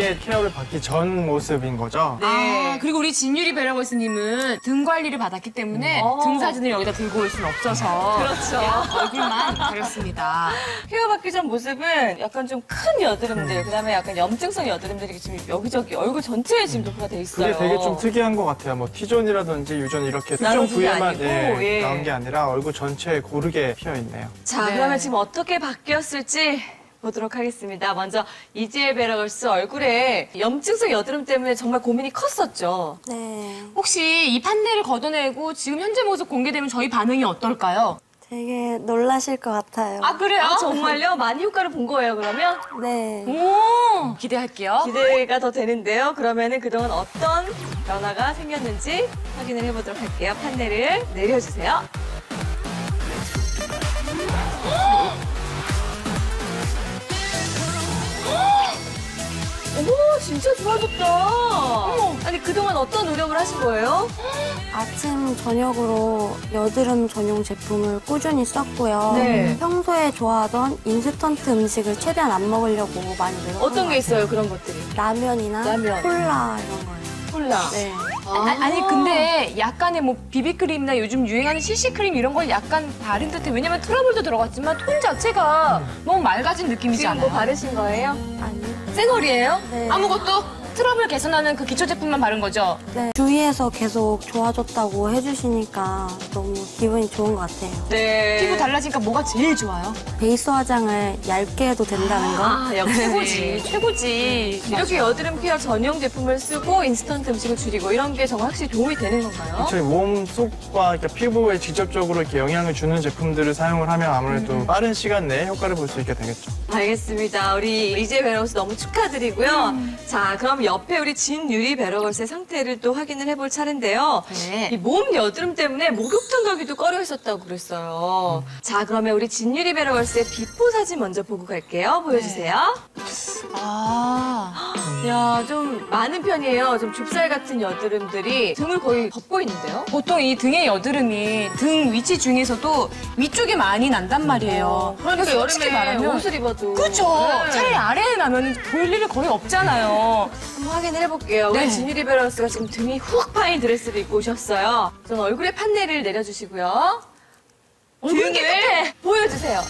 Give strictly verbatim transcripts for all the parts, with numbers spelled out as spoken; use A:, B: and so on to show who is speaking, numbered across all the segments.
A: 이게 케어를 받기 전 모습인 거죠.
B: 네.
C: 아, 그리고 우리 진유리 베러걸스님은 등 관리를 받았기 때문에
B: 어.
C: 등 사진을 여기다 들고 올 수는 없어서
B: 그렇죠.
C: 얼굴만 가렸습니다.
B: 케어받기 전 모습은 약간 좀 큰 여드름들, 그다음에 약간 염증성 여드름들이 지금 여기저기 얼굴 전체에 지금 도포가 돼 있어요.
A: 그게 되게 좀 특이한 것 같아요. 뭐 T존이라든지 U존 이렇게 특정
B: 나눠진 게
A: 부위에만
B: 아니고,
A: 예,
B: 예.
A: 나온 게 아니라 얼굴 전체에 고르게 피어 있네요.
B: 자,
C: 네.
B: 그러면 지금 어떻게 바뀌었을지 보도록 하겠습니다. 먼저 이지엘 베러걸스 얼굴에 염증성 여드름 때문에 정말 고민이 컸었죠.
D: 네,
C: 혹시 이 판넬을 걷어내고 지금 현재 모습 공개되면 저희 반응이 어떨까요?
D: 되게 놀라실 것 같아요.
C: 아, 그래요?
B: 아, 정말요? 많이 효과를 본 거예요, 그러면?
D: 네,
C: 오, 기대할게요.
B: 기대가 더 되는데요. 그러면은 그동안 어떤 변화가 생겼는지 확인을 해보도록 할게요. 판넬을 내려주세요. 어머, 진짜 좋아졌다. 아니, 그동안 어떤 노력을 하신 거예요?
D: 아침, 저녁으로 여드름 전용 제품을 꾸준히 썼고요.
B: 네.
D: 평소에 좋아하던 인스턴트 음식을 최대한 안 먹으려고 많이 노력한
B: 어떤
D: 것
B: 게 있어요, 그런 것들이?
D: 같아요. 라면이나
B: 라면.
D: 콜라 이런 거예요.
B: 콜라.
D: 네.
C: 아, 아니 근데 약간의 뭐 비비크림이나 요즘 유행하는 씨씨크림 이런 건 약간 다른 듯해. 왜냐면 트러블도 들어갔지만 톤 자체가 너무 맑아진 느낌이지
B: 지금
C: 않아요?
B: 뭐 바르신 거예요?
D: 아니요.
C: 쌩얼이에요?
D: 네.
C: 아무것도? 트러블 개선하는 그 기초 제품만 바른 거죠?
D: 네. 주위에서 계속 좋아졌다고 해주시니까 너무 기분이 좋은 것 같아요.
B: 네.
C: 피부 달라지니까 뭐가 제일 좋아요?
D: 베이스 화장을 얇게 해도 된다는 거.
B: 아, 역시.
C: 최고지, 최고지.
B: 이렇게 여드름 케어 전용 제품을 쓰고 인스턴트 음식을 줄이고 이런 게 정말 확실히 도움이 되는 건가요?
A: 저희 몸 속과 그러니까 피부에 직접적으로 이렇게 영향을 주는 제품들을 사용을 하면 아무래도 빠른 시간 내에 효과를 볼 수 있게 되겠죠.
B: 알겠습니다. 우리 이지엘 베러걸스 너무 축하드리고요. 자, 그럼 옆에 우리 진유리 베러걸스의 상태를 또 확인을 해볼 차례인데요.
C: 네.
B: 이 몸 여드름 때문에 목욕탕 가기도 꺼려 했었다고 그랬어요. 자, 그러면 우리 진유리 베러걸스의 비포 사진 먼저 보고 갈게요. 보여주세요.
C: 아,
B: 야, 좀 많은 편이에요. 좀 좁쌀 같은 여드름들이 등을 거의 덮고 있는데요.
C: 보통 이 등의 여드름이 등 위치 중에서도 위쪽에 많이 난단 말이에요.
B: 그러니까
C: 그래서 솔직히
B: 여름에
C: 말하면
B: 옷을 입어도.
C: 그렇죠.
B: 네.
C: 차라리 아래에 나면 볼 일이 거의 없잖아요.
B: 한번 확인을 해볼게요.
C: 네.
B: 우리 진유리 베러걸스가 지금 등이 훅 파인 드레스를 입고 오셨어요. 전 얼굴에 판넬을 내려주시고요. 등을 보여주세요.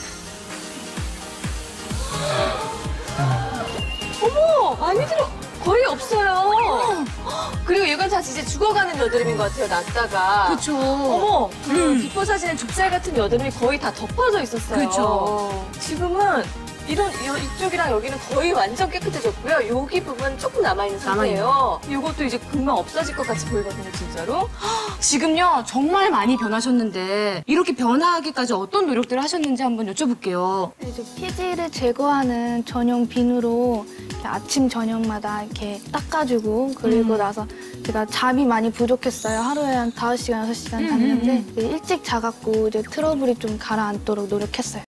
B: 어머, 많이 들어. 거의 없어요. 그리고 이건 다 진짜 죽어가는 여드름인 것 같아요, 났다가.
C: 그렇죠.
B: 어머, 그 비포 사진에 좁쌀 같은 여드름이 거의 다 덮어져 있었어요.
C: 그쵸.
B: 지금은 이런 이- 이쪽이랑 여기는 거의 완전 깨끗해졌고요. 여기 부분 조금 남아있는 상태예요. 이것도 이제 금방 없어질 것 같이 보이거든요, 진짜로.
C: 지금요 정말 많이 변하셨는데 이렇게 변화하기까지 어떤 노력들을 하셨는지 한번 여쭤볼게요.
E: 이제 피지를 제거하는 전용 비누로 이렇게 아침 저녁마다 이렇게 닦아주고 그리고
C: 음.
E: 나서 제가 잠이 많이 부족했어요. 하루에 한 다섯 시간, 여섯 시간 잤는데
C: 음,
E: 일찍 자갖고 이제 트러블이 좀 가라앉도록 노력했어요.